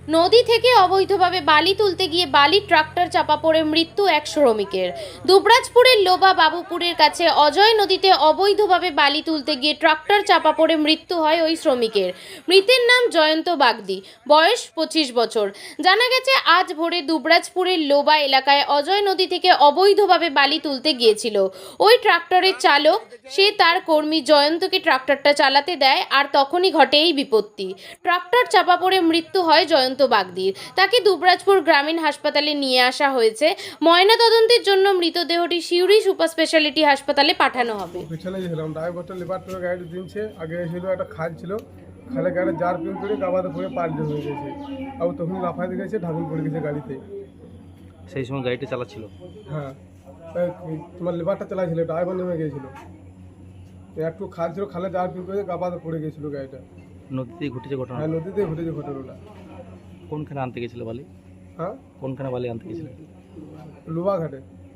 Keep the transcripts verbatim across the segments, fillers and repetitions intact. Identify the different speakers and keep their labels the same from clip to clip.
Speaker 1: নদী থেকে অবৈধভাবে বালি তুলতে গিয়ে বালি ট্রাক্টর চাপা পড়ে মৃত্যু এক শ্রমিকের। দুবরাজপুরের লোবা বাবুপুরের কাছে অজয় নদীতে অবৈধভাবে বালি তুলতে গিয়ে ট্রাক্টর চাপা পড়ে মৃত্যু হয় ওই শ্রমিকের। মৃতের নাম জয়ন্ত বাগদি, বয়স পঁচিশ বছর। জানা গেছে আজ ভোরে দুবরাজপুরের লোবা এলাকায় অজয় নদী থেকে অবৈধভাবে বালি তুলতে গিয়েছিল ওই ট্রাক্টরের চালক। সে তার কর্মী জয়ন্তকে ট্রাক্টরটা চালাতে দেয় আর তখনই ঘটে এই বিপত্তি। ট্রাক্টর চাপা পড়ে মৃত্যু হয় জয়ন্ত বাগদির। তাকে দুবরাজপুর গ্রামীণ হাসপাতালে নিয়ে আসা হয়েছে। ময়নাতদন্তের জন্য মৃতদেহটি সিউড়ি সুপার স্পেশালিটি হাসপাতালে পাঠানো হবে।
Speaker 2: পিছনে ছিলাম ড্রাইভারটা লেবার করে গাড়ি দিনছে, আগে ছিল একটা খাল ছিল, খালে গাড়ি জার পিন করে গাবাতে পড়ে পাল্টে হয়ে গেছে, আর তখন লাফাতে গেছে, ঢাকুন পড়ে গেছে গাড়িতে।
Speaker 3: সেই সময় গাড়িটা চালাচ্ছিল?
Speaker 2: হ্যাঁ, তাই তোমার লেবারটা চালাইছিল, ড্রাইভার নেমে গিয়েছিল, একটু খাল ছিল, খালে জার পিন করে গাবাতে পড়ে গেছিল গাড়িটা।
Speaker 3: নদীতেই ঘটেছে ঘটনা?
Speaker 2: হ্যাঁ, নদীতে ঘটেছে ঘটনাটা।
Speaker 3: কোনখানে আনতে গেছিল বালি?
Speaker 2: হ্যাঁ,
Speaker 3: কোনখানে বালি আনতে গেছিল?
Speaker 2: লোবা ঘাটে।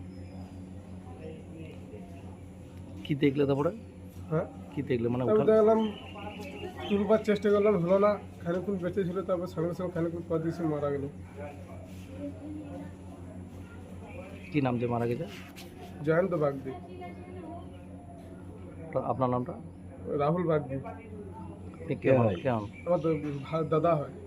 Speaker 3: কি দেখলে তারপরে?
Speaker 2: হ্যাঁ,
Speaker 3: কি দেখলে মানে
Speaker 2: তারপর
Speaker 3: উঠাল?
Speaker 2: দেখলাম তুলবার চেষ্টা করলাম, হলো না, খানিক্ষণ বেঁচে ছিল, তারপর সঙ্গে সঙ্গে খানিক্ষণ পর দিয়েছে মারা গেল।
Speaker 3: কি নাম যে মারা গেছে?
Speaker 2: জয়ন্ত বাগদি।
Speaker 3: তো আপনার নামটা?
Speaker 2: রাহুল বাগদি।
Speaker 3: আপনি কেমন কেমন?
Speaker 2: আমার তো ভা- দাদা হয়।